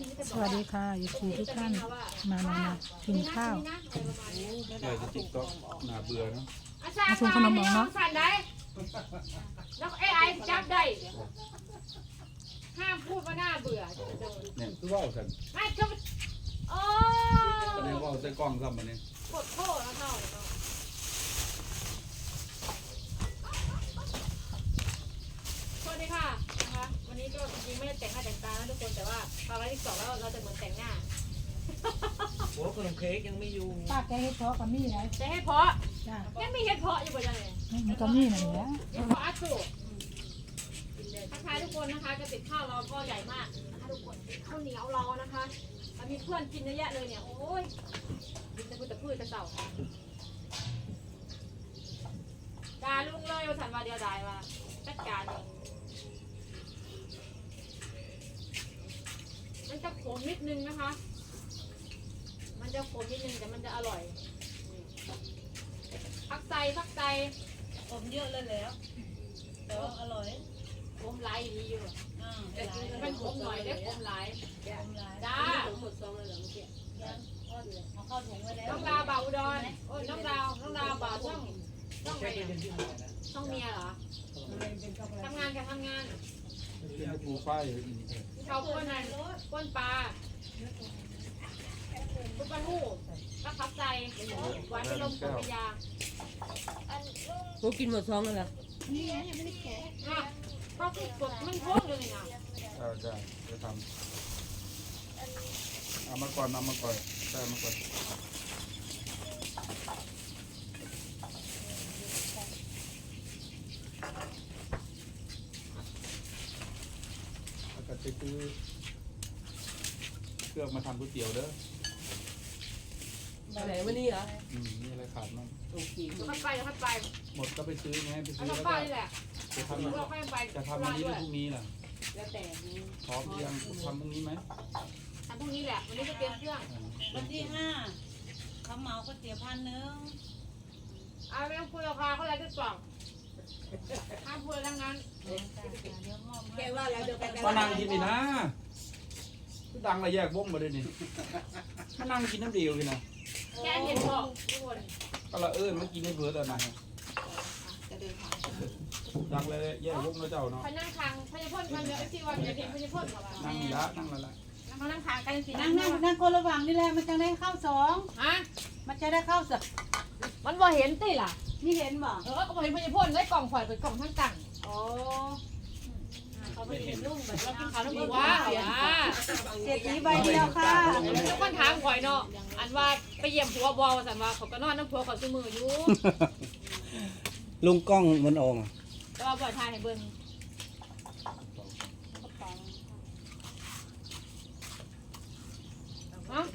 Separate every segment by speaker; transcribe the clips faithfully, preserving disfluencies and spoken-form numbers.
Speaker 1: สวัสดีค่ะยูทูบทุกท่านมามามากินข้าว
Speaker 2: ใช่ติ๊กต็อกน่าเบื่อเนาะ
Speaker 1: มาชวนขนมบอกเนาะ
Speaker 3: สั่นได้แล้วไอ้ไอ้จับได้ห้ามพูดว่าน่าเบื่อ
Speaker 2: เนี่ยคือว่าวสัน
Speaker 3: ไม่ก็โอ้
Speaker 2: แสดงว่าใส่กล้องซ้ำมาเนี่ย
Speaker 3: กดโทษแล้วเท่าเลยเนาะสวัสดีค่ะนะคะวันนี้ก็จริงไม่ได้แต่งหน้าแต่งตานะทุกคนแต่ว่าพอไลฟ์ที่สองแล้วเราจะเหมือนแต่งหน้า
Speaker 4: โอ้ขนมเค้กยังไม่อยู่
Speaker 1: ป้าแกเฮ็ดเพาะกับมี่ไร
Speaker 3: จะให้เพาะ
Speaker 1: จ้า
Speaker 3: ยังมีเห็ดเพาะอยู่บ่จังเลย
Speaker 1: มันก็มี่นั่นแหละ
Speaker 3: เห็ดเพาะอัดสูทักทายทุกคนนะคะกระติบข้าวเราก็ใหญ่มากนะคะทุกคนข้าวเหนียวเรานะคะเรามีเพื่อนกินเยอะแยะเลยเนี่ยโอ้ยกินแต่พืชแต่พืชแต่เสาด่าลุงเลยว่าฉันว่าเดียวดายว่าจัดการเองมันจะขมนิดนึงนะคะ มันจะขมนิดนึงแต่มันจะอร่อยพักใจพักใจ
Speaker 5: ผมเยอะเลยแล้วแต่ว่าอร่อย
Speaker 3: ขมหลายดีอยู่
Speaker 5: อ่า
Speaker 3: มันขมหน่อยได้ขมหลาย
Speaker 5: ผมหลาย
Speaker 3: จ้า
Speaker 5: หมดซองเลยเหรอเมื่อกี้ยังอ้อนเลยเอาเข้าถุงไว้แล้ว
Speaker 3: น้องดาวบ่าวอุดรโอ้ยน้องดาวน้องดาวบ่าวช่องช่องไหนอะช่องเมียเหรอทำงานกับทำงาน
Speaker 2: เป็นปูฝ้าย
Speaker 3: เขาป้นอะไรป้นปลาปุกปลาหูรักพับใจหวานเป็นลมปุกยา
Speaker 5: กูกินหมดซองเลยเหรอ
Speaker 3: อ่ะเขาคือกดมันพ่วงเลยนะ
Speaker 2: ใช่ใช่จะทำเอามาก่อนเอามาก่อนได้มาก่อนแล้วก็ไปซื้อเครื่องมาทำก๋วยเตี๋ยวเด้อ
Speaker 5: ไหนวันนี้เหรอ
Speaker 2: อืมมีอะไรขาดมั้ง
Speaker 5: โอเค
Speaker 3: เดี๋ยวค่อยไปเดี๋ยวค่อยไป
Speaker 2: หมดก็ไปซื้อไงไป
Speaker 3: เอา
Speaker 2: ซื้อ
Speaker 3: ทำ
Speaker 2: แล้ว
Speaker 3: ป้า
Speaker 2: ก็
Speaker 3: นี่แหละ
Speaker 2: จะทำ
Speaker 3: เราค่อยไป
Speaker 2: จะทำวันนี้หรือพรุ่งนี้ล่ะ
Speaker 5: แล้วแต่นี้
Speaker 2: พร้อมหรือยังทำพรุ่งนี้ไหม
Speaker 3: ทำพรุ่งนี้แหละวันนี้จะเตรียมเครื่อง
Speaker 5: วันที่ห้าเขาเหมาก๋วยเตี๋ยวพันหนึ่ง
Speaker 3: เอาไม่ต้องคุยราคาเขาอะไรก็กล่องห้ามพูดทั้งนั้น
Speaker 5: เดี๋ยวมอบ
Speaker 6: แก
Speaker 5: ให้
Speaker 6: ว่าแล้วเดี๋ยวแก
Speaker 2: มานั่งกินนี่นะคือดังระแยกวงมาเลยนี่มานั่งกินน้ำเดียวกินนะ
Speaker 3: แกเห็นบอกทุกคน
Speaker 2: ก็ละเอิญมากินให้เพื่อแต่ไหน
Speaker 6: จะเดินทาง
Speaker 2: ดังเลยแยกวงแล้วเจ้าเนาะ
Speaker 3: พนั่งคางพญาพ่นมันเยอะที่วันเดียวพญาพ่นเหรอวะ
Speaker 2: นั่งนี่ละนั่งละละ
Speaker 3: เขานั่งคางกันสิ
Speaker 5: นั่งนั่งนั่งคนระหว่างนี่แหละมันจะได้เข้าสอง
Speaker 3: ฮะ
Speaker 5: มันจะได้เข้าสอง
Speaker 3: มันบ่เห็นติล่ะ
Speaker 5: นี่เห็นบ่
Speaker 3: เออก็บ่เห็นพญาพ่นได้กล่องข่อยเป็นกล่องทั้งตัง
Speaker 5: โอ้เขาไปเห็นลุงแบบ
Speaker 3: เรากินข้าวน้ำผึ้งว้าเสีย
Speaker 5: เศรษฐีใบเดียวค่ะ
Speaker 3: แล้วคนถามข่อยเนาะอันว่าไปเยี่ยมผัวบอลสันว่าเขาก็นอนน้ำผัวเขาซื้อมืออยู่
Speaker 4: ลุงกล้องมันออกอ่ะ
Speaker 3: แต่ว่าบ่อยทายให้เบิ่งฮะ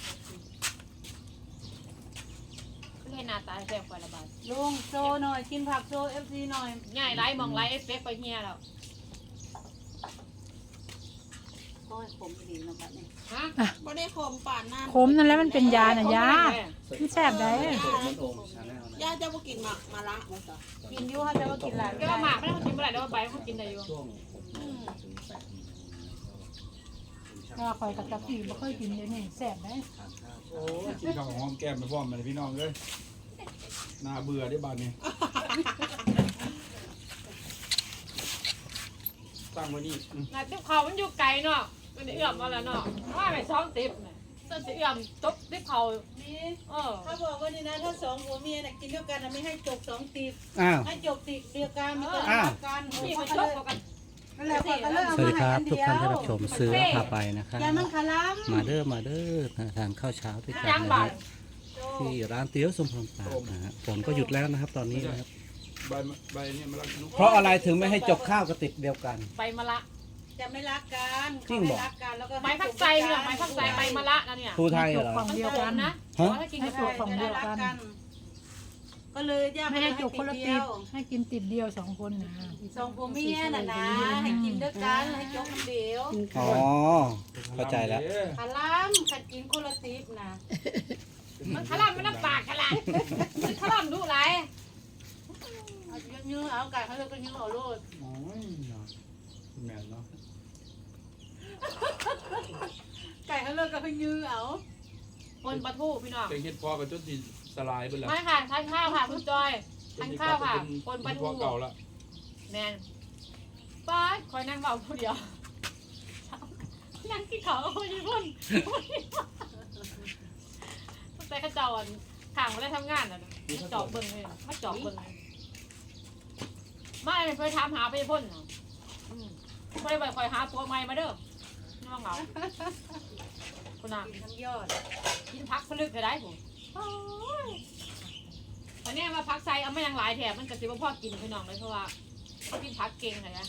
Speaker 3: เล่นหน้าตาแซ่บกว่าละบาท
Speaker 5: ลุงโซหน่อยกินผักโซเอฟซีหน่อย
Speaker 3: ง่ายไลฟ์มองไลฟ์เอฟเฟกต์ไปเฮียแล้ว
Speaker 5: โอ้ยผมดีนะบัดนี้
Speaker 3: ฮะ
Speaker 6: ไม่ได้ข่มป่านหน้า
Speaker 1: ขมนั่นแหละมันเป็นยาน่ะยามันแซ่บได้
Speaker 6: ย่าจะมากินหมักมาละมาซะ
Speaker 5: กินอยู่เขาจะมากินหลาย
Speaker 3: ก็ว่าหมากไม่ต้องกินเมื่อไหร่แล้วว่าใบเขากินได้อยู่
Speaker 1: ก็คอยกับตะกี้บ่เคยกินเดี๋ยวนี้แซ่บได้
Speaker 2: โอ้ยกินข้าวหอมแก้มไปพร้อมกันพี่น้องเลยน่าเบื่อได้บ้านนี้ตั้งไว้นี่อืม
Speaker 3: น่ะติ๊บเขามันอยู่ไกลเนาะมันเอื้อมมาแล้วเนาะว่าไปซ้อมติ๊บน่ะจะสิเอื้อมตบติ๊บเขา
Speaker 5: นี่
Speaker 3: เออ
Speaker 5: ถ้าบอกว่านี่นะถ้าสองผัวเมียน่ะกินด้วยกันน่ะไม่ให้จบสองตีบ
Speaker 4: อ้าว
Speaker 5: ให้จบตีบเดียวกันมันก็
Speaker 4: อ้าว
Speaker 5: รักกัน
Speaker 3: นี่
Speaker 5: มั
Speaker 3: มัน น
Speaker 5: ก็
Speaker 3: ช
Speaker 5: เล
Speaker 3: ก
Speaker 5: ย
Speaker 3: กัน
Speaker 5: นั่นแหละเขาก็เลยเอา
Speaker 4: สวัส
Speaker 5: มา
Speaker 4: ดี
Speaker 5: ให้
Speaker 4: ครับ
Speaker 5: อัน
Speaker 4: ทุก
Speaker 5: เดียว
Speaker 4: ท่านที่รับชมเสือพาไปนะครับ
Speaker 5: ยามันคาล้ำ
Speaker 4: มาเด้อมาเด้อทานข้าวเช้าด้วยกัน
Speaker 3: ย่าง
Speaker 4: นะ
Speaker 3: บ่า
Speaker 4: ค
Speaker 3: ย
Speaker 4: รับที่ร้านเตี๋ยวสมพรปากนะฮะฝนก็หยุดแล้วนะครับตอนนี้นะครับ
Speaker 2: ใบใบเนี่ยมันรักนุ๊ก
Speaker 4: เพราะอะไรถึงไม่ให้จบข้าวกระติกเดียวกัน
Speaker 3: ใบมะละ
Speaker 5: จะไม่รักกัน
Speaker 4: จริง
Speaker 5: เขา
Speaker 4: เหรอ
Speaker 5: ไม่รักกันแล้วก็
Speaker 3: ใบพักใจเนี่ยใบพักใจใบมะละนะเนี่ย
Speaker 4: ครูไทยเหรอ
Speaker 1: ฝั่ง
Speaker 3: มัน
Speaker 1: เดียว
Speaker 3: โด
Speaker 1: กัน น
Speaker 3: นะ
Speaker 4: ฮะ
Speaker 3: ถ้ากิน
Speaker 1: ให้
Speaker 3: กับ
Speaker 1: จบฝั่งเดียวกัน
Speaker 5: ก็เลยย่า
Speaker 1: ไม่ให้จุกคนละติด
Speaker 5: เดียว
Speaker 1: ให้กินติดเดียวสองคนนะ
Speaker 5: สองผัวเมียน่ะนะให้กินด้วยกันให้จบคนเดียว
Speaker 4: อ๋อเข้าใจแล้ว
Speaker 5: คาล้ำขัดกินคนละตีบนะ
Speaker 3: มันขลังมันน้ำปากขลังมันขลังดูไร
Speaker 5: เอายื้อๆเอาไก่เขาเลยก็ยื้อเอาโลด
Speaker 2: โอ้ยเนาะแม่นเนาะ
Speaker 5: ไปยื้อเอา
Speaker 3: คนปลาทูพี่น้อง
Speaker 2: แกงเห็ดพอกับจนสิสลายไปแล้ว
Speaker 3: ไม่ค่ะทานข้าวค่ะคุณจอยทานข้าวค่ะคนปลา
Speaker 2: พ
Speaker 3: ทู
Speaker 2: อเก่าละ
Speaker 3: แมนป้าคอยนั่งเบาผู้เดียวนั่งที่เขาคนญี่ปุ่นแต่กระจอนข่างมาได้ทำงานอ่ะจอบเบิ้งเลยมาจอบเบิ้งเลยไม่เคยถามหาไปพ่นไม่ได้ไปคอยหาตัวใหม่มาเด้อนี่ว่าเหงาคุณน่ะ
Speaker 5: กินทั้งยอด
Speaker 3: กินพักพลึกก็ได้ผมตอนนี้มาพักไซเอาไม่ยังหลายแถมมันกระซิบว่าพ่อกินพี่น้องเลยเพราะว่าเขากินพักเก่งเลยนะ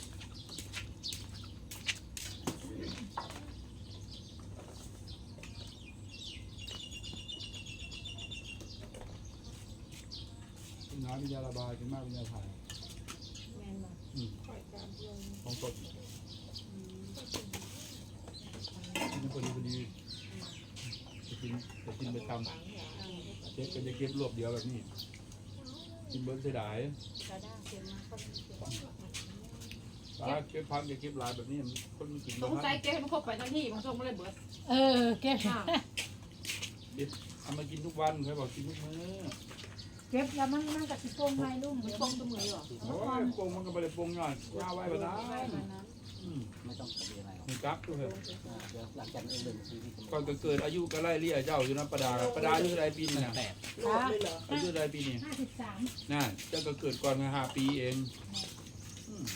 Speaker 2: กินน้ำเป็นยาระบายกินมากเป็นยาถ่าย
Speaker 5: แม่นบ่
Speaker 2: อืมของสดกินพอดีพอดีจะกินจะกินไปทำเช็คก็จะเก็บรวบเดียวแบบนี้กินเบิ้ลเสียดาย
Speaker 5: กระด้างเค็มมาก
Speaker 2: ปลาเก็บพักจะเก็บหลายแบบนี้คนมันกิน
Speaker 3: ส
Speaker 2: บ้าง
Speaker 3: งสัยเจ๊ให้มันครบไปทั้งที่มันส่งมาเลยเบิด
Speaker 1: เออเก็บ
Speaker 2: เอามากินทุกวันเคยบอกกินทุกมื้อ
Speaker 1: เก็บแล้วมันมันกับสิโป่งไงลุง
Speaker 3: มันส่งตัวมือหรอ
Speaker 2: โอ้ยปงมันก็ไปเลยปงหน่อยย่าไว้ก็ได้อืม
Speaker 4: ไม่ต้องทำอะไรหรอก
Speaker 2: มีกั๊กด้วย
Speaker 4: อ่าเดี๋ยวหลังจากนี้เรื่องชีวิต
Speaker 2: ก่อนก็เกิดอายุก็ไล่เลี่ยเจ้าอยู่นะประดาประดาอายุเท่าไรปีนี่นะ
Speaker 4: แปด
Speaker 6: โลดเลยเหรอ
Speaker 2: อายุเท่าไรปีนี่
Speaker 1: ห้าสิบสาม
Speaker 2: น่ะเจ้าก็เกิดก่อนมาห้าปีเองอืม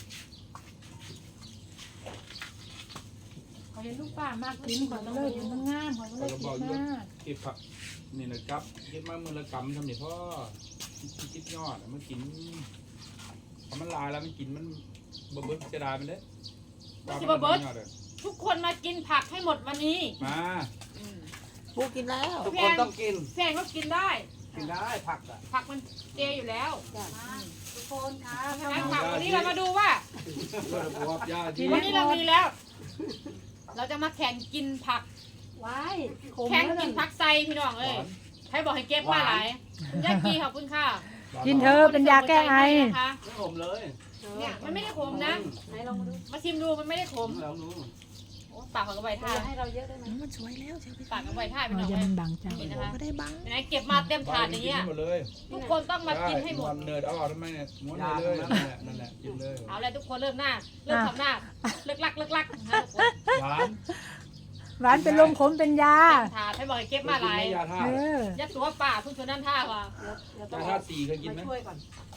Speaker 1: เขาเห็นลูกป้ามากกินขอก็เลยมันงามขอก็เลยกินมาก
Speaker 2: เก็บผักนี่นะครับเก็บมามือละกำทำนี่พ่อคิดยอดมันกินพอมันลายแล้วมันกินมันบะเบิดจะได้มันเด้
Speaker 3: ทุกคนมากินผักให้หมดวันนี้
Speaker 2: มา
Speaker 6: ปูกินแล้ว
Speaker 4: ทุกคนต้องกิน
Speaker 3: แฟนก็กินได้
Speaker 4: กินได้ผักอ่ะ
Speaker 3: ผักมันเจอยู่แล้ว
Speaker 5: ทุกคนค่ะ
Speaker 3: งั้นผักวันนี้เรามาดูว่า
Speaker 2: ก็จะบอกญาติที่
Speaker 3: วันนี้เรามีแล้ว เราจะมาแข่งกินผัก
Speaker 5: ไว้ขม
Speaker 3: แข่ง
Speaker 5: แล้ว
Speaker 3: กิ
Speaker 5: นั่
Speaker 3: น
Speaker 5: น
Speaker 3: ผักไซพี่น้องเอ้ยใครบอกให้เก็บมาหลายยากีขอบคุณค่ะ
Speaker 1: กินเธอเป็นยาแก้ไอ
Speaker 3: นะคะ
Speaker 4: ไม่ผมเลย
Speaker 3: เนี่ยมันไม่ได้ขมนะ
Speaker 5: ไหนลองมาดู
Speaker 3: มาชิมดูมันไม่ได้ขม
Speaker 4: แล้วนู้น
Speaker 3: โอ้ปากของกระใบท่า
Speaker 5: จะให้เราเยอะได้ไหม
Speaker 6: มันสวยแล้วเชียวพี่
Speaker 3: ปากกับใบท่าพี่
Speaker 1: เรา
Speaker 3: น้อง
Speaker 1: จะ
Speaker 3: เอ้
Speaker 1: มั
Speaker 3: ย
Speaker 1: นบังจัง
Speaker 3: นี่นะคะ
Speaker 6: ไม่ได้บัง
Speaker 3: ไหนเก็บมาเต็มถาดอย่างเงี้ย
Speaker 2: หมดเลย
Speaker 3: ทุกคนต้องมากินให้หมด
Speaker 2: เนิร์ดเอาออกทำไมเนี่ยม้วนเลยนั่นแหละนั่นแหละกินเลย
Speaker 3: เอาเลยทุกคนเริ่มหน้า เริ่มทำหน้า เลิกลักเลิกลักนะคะทุกคน
Speaker 2: หวาน
Speaker 1: หวานเป็นลมขมเป็นยา
Speaker 3: เต็มถาดให้บอกให้เก็บมาหลาย
Speaker 2: ยาท่า
Speaker 1: เออ
Speaker 3: ยัดตัวป่าทุกชนนั่นท่าว่ะ
Speaker 5: เดี๋ยวต้อย
Speaker 2: าง ท่าสี่เคยกินไหม
Speaker 5: มาช่วยก่อน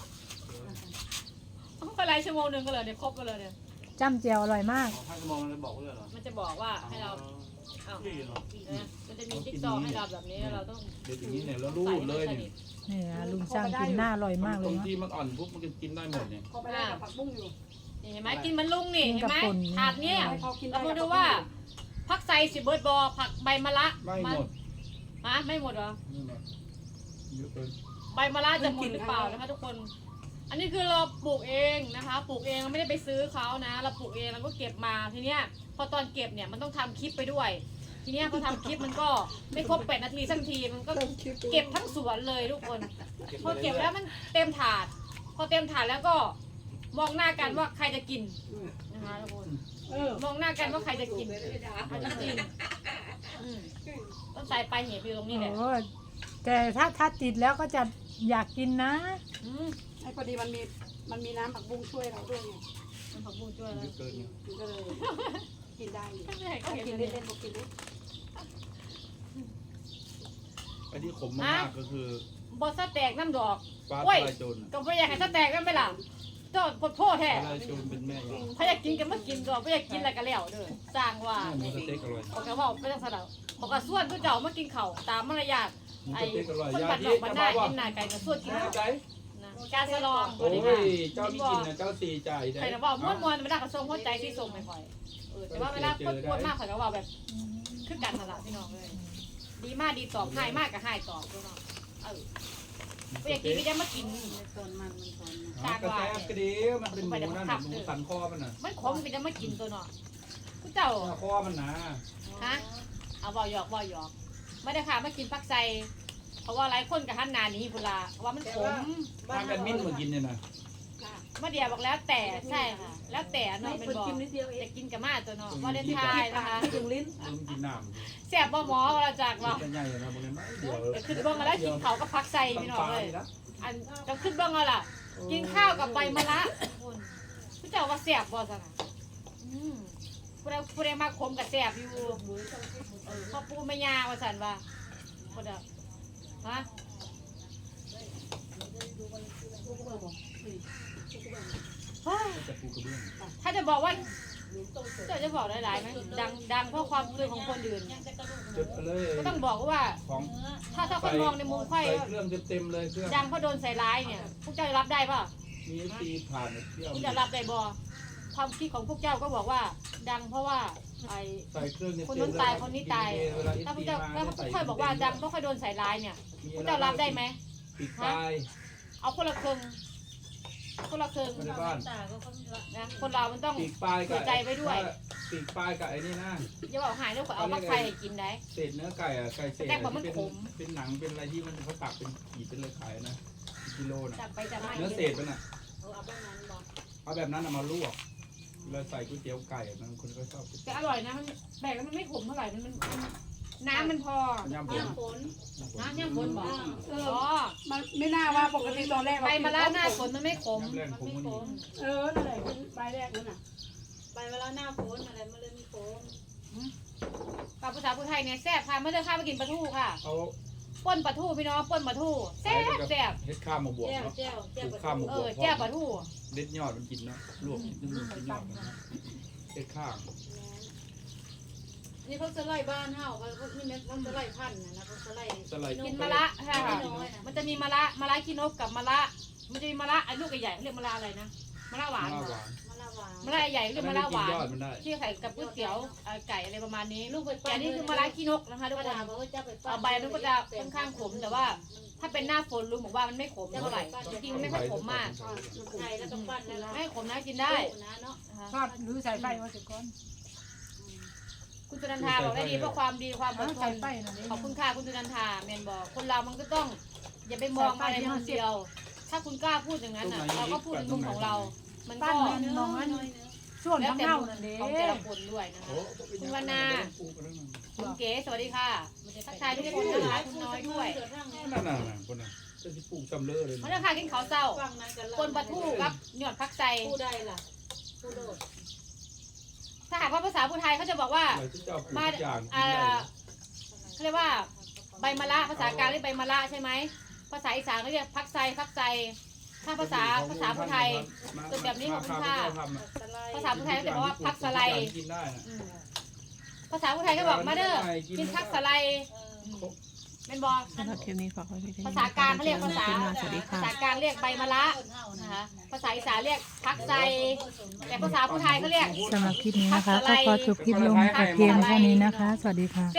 Speaker 3: ต้องไปไล่ชั่วโมงหนึ่งก็เลยเนี่ยครบกันเลยเนี่ย
Speaker 1: จ้ำเจียวอร่อยมาก
Speaker 4: ถ้าจะมองมันบอกว่าเหรอ
Speaker 3: มันจะบอกว่าให้เราอ้าว
Speaker 4: นี่เหรอ
Speaker 3: นะมันจะมีจิ๊กซอว์ให้เราแบบนี้เราต้อง
Speaker 2: เดี๋ยวอย่างนี้เนี่ยแล้วรูดเลยเนี่ย
Speaker 1: นี่นะลุงช่างกินหน้าอร่อยมากเล
Speaker 2: ตร
Speaker 1: ย
Speaker 2: ง
Speaker 1: นะ
Speaker 2: ที่มันอ่อนปุ๊บมันก็กินได้หมดเนี่ย
Speaker 5: พอไปได้กับผักบุ้งอยู่
Speaker 3: นี่เห็นไหมกินมันลุงนี่
Speaker 1: กิน
Speaker 3: เห็น
Speaker 1: กับ
Speaker 3: ไหม
Speaker 1: ป่น
Speaker 3: ถาดเนี้ย
Speaker 5: พอกิน
Speaker 3: เรา
Speaker 5: ได้
Speaker 3: มา
Speaker 5: กับ
Speaker 3: ดู
Speaker 5: ผักบุ้ง
Speaker 3: ว่าผักไซสิเบิร์ดบอผักใบมะระ
Speaker 2: ไม่หมด
Speaker 3: ฮะไม่หมดเหรอ
Speaker 2: นี่หมดเยอะเกิน
Speaker 3: ใบมะระจะหมดหรือเปล่านะคะทุกคน อันนี้คือเราปลูกเองนะคะ ปลูกเองเราไม่ได้ไปซื้อเขานะ เราปลูกเองเราก็เก็บมาทีเนี้ยพอตอนเก็บเนี่ยมันต้องทำคลิปไปด้วย ทีเนี้ยพอทำคลิปมันก็ไม่ครบแปดนาทีสักทีมันก็เก็บทั้งสวนเลยทุกคน พอเก็บแล้วมันเต็มถาด พอเต็มถาดแล้วก็มองหน้ากันว่าใครจะกินนะคะทุกคน
Speaker 5: เออ
Speaker 3: มองหน้ากันว่าใครจะกินใครจะกินอืมต้นสายปลายเหตุอยู่ตรงนี้แหละ
Speaker 1: โอ้แต่ถ้าถ้าติดแล้วก็จะอยากกินนะ
Speaker 3: อืม
Speaker 5: ไอ้พอดีมันมีมันมีน้ำผักบุ้งช่วยเราด้วยไง
Speaker 3: มันผักบุ้งช่วย
Speaker 2: เย
Speaker 3: แล้ว
Speaker 2: อะเกินเนี่ย
Speaker 5: มันก็เลยกินได้อยู่
Speaker 3: ไม่ให้เขา
Speaker 5: กิ
Speaker 3: เห็
Speaker 5: น
Speaker 3: น
Speaker 5: เล่
Speaker 3: เลย
Speaker 5: นๆบอกกินเล่น
Speaker 2: ไอ้ที่ขมมากๆก็คือบ
Speaker 3: อสแตกน้ำดอก
Speaker 2: ฟ้า
Speaker 3: โอ้ย
Speaker 2: ทลายโจร
Speaker 3: ก็ไม่อยากให้สแตกกันไปล่ะเจ้าปวดโทษแท้
Speaker 2: ทลายโจรเป็นแม่เรา
Speaker 3: ถ้าอยากกินก็มากินก่อนไม่อยากกินอะไรก็แล้วเด้อสร้างว่า
Speaker 2: หมูสเต็กอร่อย
Speaker 3: บอกกันว่าไม่ต้องสะเดาบอกกับส่วนผู้เจ้ามากินเข่าวตามมารยาท
Speaker 2: หมู
Speaker 3: ไอ้
Speaker 2: สเต็กอร่อย
Speaker 3: คน
Speaker 2: ยา
Speaker 3: บัดด
Speaker 2: ที่
Speaker 3: อกบัดหน้า
Speaker 2: ว่า
Speaker 3: กินหน้าไก่กับส่วนกิน
Speaker 2: แม่
Speaker 3: ข้าว
Speaker 2: ใจ
Speaker 3: นะการสลอง
Speaker 2: โอ้
Speaker 3: ดีค่ะ
Speaker 2: ยเจ้าที่กินนะเจ้าสี่ใจได้
Speaker 3: ใครจะบอกม้วนม้วนไม่ได้กระทรงหัวใจที่ทรงไม่ค่อยเออแต่ว่าเวลาพูดพูดมากข่อยก็ว่าแบบคือกันนั่นแหละพี่น้องเลยดีมากดีตอบให้มากกับให้ตอบพี่น้องเออไม่อยากกินไม่ได้มากิน
Speaker 5: มันสนมันมันสน
Speaker 2: อ๋อกระแทกกระเดียวมันเป็นหมูนั่นหมูสันคอมันน่ะ
Speaker 3: มันขมไม่ได้มากินตัวเนาะผู้เจ้า
Speaker 2: คอมันหนา
Speaker 3: ฮะเอาบ่หยอกบ่หยอกไม่ได้ค่ะมากินปักไซเพราะว่าหลายคนกับท่านนานี้พุลาว่ามันขม
Speaker 2: ถ้ากันมิ้นมากินเนี่ยนะ
Speaker 3: มาเดียบอกแล้วแต่ใช่ค่ะแล้วแต่เนาะเป็นบอกจะกินกับมาตัวเนาะวาเลนไทน์นะคะ
Speaker 6: ถึงลิ้น
Speaker 2: ลืมกินน้ำ
Speaker 3: แซ่บบ่หมอเราจาก
Speaker 2: เรา
Speaker 3: เนาะ
Speaker 2: ใหญ่นะบางทีไม่เดี๋ยว
Speaker 3: ขึ้นเบื้องมาแล้วกินเขาก็พักใส่พี่น้องเลยอันก็ขึ้นเบื้องเอาล่ะกินข้าวกับใบมะระคุณผู้เจ้าว่าแซ่บบ่ซั่นน่ะอืมผู้ใดผู้ใดมาคมกับแซ่บอยู่เออพ่อปู่แม่ย่าว่าซั่นว่าบ่ได้ฮะ
Speaker 2: จะปูกระเบื้อง
Speaker 3: ถ้าจะบอกว่าเจ้าจะบอกหลายๆไหมดังดังเพราะความคิดของคนอื่น
Speaker 2: จุดเลย
Speaker 3: ก็ต้องบอกว่า
Speaker 2: ของ
Speaker 3: ถ้าถ้าคนมองในมุมค่อย
Speaker 2: ใส่เครื่องเต็มๆเลยเครื่อง
Speaker 3: ดังเพราะโดนใส่ร้ายเนี่ยพวกเจ้ารับได้ป่ะ
Speaker 2: มีตีผ่านเที่ยว
Speaker 3: พวกเจ้ารับได้บ่ความคิดของพวกเจ้าก็บอกว่า ดังเพราะว่าไอ้
Speaker 2: ใส่เครื่องเต็มๆ
Speaker 3: คนนู้นตายคนนี้ตายถ้าพวกเจ้าถ้าพวกค่อยบอกว่าดังเพราะค่อยโดนใส่ร้ายเนี่ยพวกเจ้ารับได้ไหม
Speaker 2: ปีกปลาย
Speaker 3: เอาคนละครึ่งคนละครึ่ง
Speaker 2: ในบ้าน
Speaker 3: นะคนเรามันต้อง
Speaker 2: ปีกปลายกับ
Speaker 3: เสียใจไว้ด้วย
Speaker 2: ปีกปลายกับไอ้นี่นะ
Speaker 3: อย่าบอกหายแล้วก็เอามาไฟให้กินได้
Speaker 2: เศษเนื้อไก่อะไก่เศษ
Speaker 3: แต่ว่ามัน
Speaker 2: เป็น
Speaker 3: ขม
Speaker 2: เป็นหนังเป็นอะไรที่มันเขาตักเป็นขีดเป็นเลยขายนะกิโลนะ
Speaker 3: จับไปจับมา
Speaker 2: เนื้อเศษมันอ่ะเอาแบบนั้นเอามาลวกเราใส่ก๋วยเตี๋ยวไก่บางคนก็ชอบ
Speaker 3: แต่อร่อยนะมันแบกแล้วมันไม่ขมเท่าไหร่มันมันน้ำมันพอย่
Speaker 2: ำผล
Speaker 3: น้ำย่ำฝนบอกเอออ๋อ
Speaker 1: มันไม่น่าว่าปกติตอนแรก
Speaker 3: ใบมะระหน้าฝนมันไม่ขม
Speaker 2: น้ำแรงผมมันนี่
Speaker 1: เออนั่นแหละเป็นใบแรกนั่นน่ะ
Speaker 5: ไปเวลาหน้าฝนอะไรมันเลยมีฝน
Speaker 3: กับภาษาพูไทยเนี่ยแซ่บค่ะเมื่อเดือนข้าวมากินปลาทูค่ะ
Speaker 2: เขา
Speaker 3: ป้นปลาทูพี่น้องป้นปลาทูแซ่บแซ่บ
Speaker 2: เฮ็ดข้าวมาบวก
Speaker 5: แก้ว
Speaker 2: เนาะ
Speaker 5: แก้วแก้ว
Speaker 2: ปลูกข้าวมา
Speaker 3: เอบ
Speaker 2: ว
Speaker 3: อก แจ่ปลาทู
Speaker 2: เด็ดยอดมันกินเนาะลวกนิดนึงกินยอดมันนะเฮ็ดข้าว
Speaker 5: นี่เขาจะไล่บ้านเฮาเขานี่แม่เขาจะไล่พันธุ์นะเขาจะไล่
Speaker 2: สไลด์
Speaker 3: กินมะระค่ะมันจะมีมะระมะระขี้นกกับมะระมันจะมีมะระไอ้ลูกใหญ่ๆเขาเรียกมะระอะไรนะมะระหวาน
Speaker 2: ข้าวหวาน
Speaker 5: มะละวาน
Speaker 3: มะระใหญ่เรียกมะระหวาน
Speaker 2: ยอดมันได้
Speaker 3: ที่ใส่กับก๋วยเตี๋ยวเอ่อไก่อะไรประมาณนี้
Speaker 5: ลูกไป
Speaker 3: แต่อันนี้คือมะระขี้นกนะคะทุก
Speaker 5: ป้า
Speaker 3: คน
Speaker 5: ดาบอกว่าจะไป
Speaker 3: เอาใบมันก็จะค่อนข้างขมแต่ว่า ถ้าเป็นหน้าฝนลุงบอกว่ามันไม่ขมเท่าไหร่จริงๆมันไม่ค่อยขมมาก
Speaker 5: ไข่แล้วก็ปั้นแล้ว
Speaker 3: ไม่ขมนะกินได้
Speaker 5: นะเนาะ
Speaker 3: นะคะ
Speaker 1: ชอบหรือใส่ไฟมาสิก่อน
Speaker 3: คุณจุนันทาบอกได้ดีเพราะความดีความอดท
Speaker 1: ใส่
Speaker 3: น
Speaker 1: ไฟนั่นเอง
Speaker 3: ขอบคุณค่ะคุณจุนันทาเมนบอกคนเรามันก็ต้อง อย่าไปมองอะไรมุมเดียว ถ้าคุณกล้าพูดอย่างนั้นอ่ะเราก็พูดในมุมของเรา มัน
Speaker 1: ปั้
Speaker 3: ก็
Speaker 1: นมันมองมันส่วน
Speaker 3: แล้ว
Speaker 1: ทั้ง
Speaker 3: แต่
Speaker 1: เน่า
Speaker 3: มุม
Speaker 1: นั่นเด้
Speaker 3: ของแต่ละคนด้วยนะคะ คุณวรรณา คุณเก๋สวัสดีค่ะทักทายทุกคนนะคะคุณน้อยด้วย
Speaker 2: นั่นน่ะคนน่ะจะสิปลูกจำเลอเลย
Speaker 3: มาเลยค่ะกินข้าวเศร้า
Speaker 5: ฟังนั้นกัน
Speaker 3: คนปลาทูกับหยอดพักใส่
Speaker 5: ผู้ใดล่ะผู้โดด
Speaker 3: ถ้าหากว่าภาษาพูไทยเขาจะบอกว่า
Speaker 2: อะไรที่เจ้าปลูก
Speaker 3: มา
Speaker 2: ทุกอย่างกิน
Speaker 3: อ่า
Speaker 2: ได้
Speaker 3: เขาเรียกว่าใบมะระภาษากลางเรียกใบมะระใช่ไหมภาษาอีสานเขาเรียกพักไซพักไซถ้าภาษาภาษาพูไทย เป็นแบบนี้ของคุณค่ะ ภาษาพูไทยเขาจะบอกว่าพักสไลด์
Speaker 2: กินได้นะ
Speaker 3: อืมภาษาพูไทยก็บอกมาเด้อกินพักสไลด์เป็นบอ
Speaker 7: สำหรับคลิปนี้ฝากไว้เพียงเท่านี้
Speaker 3: ภาษากลางเขาเรียกภาษา
Speaker 7: สวัสดี
Speaker 3: ภา
Speaker 7: ค่ะ
Speaker 3: ษากลางเรียกใบมะระนะคะภาษาอีสานเรียกพักไซแต่ภาษาพูไทยเขาเรียก
Speaker 7: สำหรับคลิปนี้นะคะก็ขอจบคลิปลงเพียงเท่านี้นะคะ สวัสดีค่ะ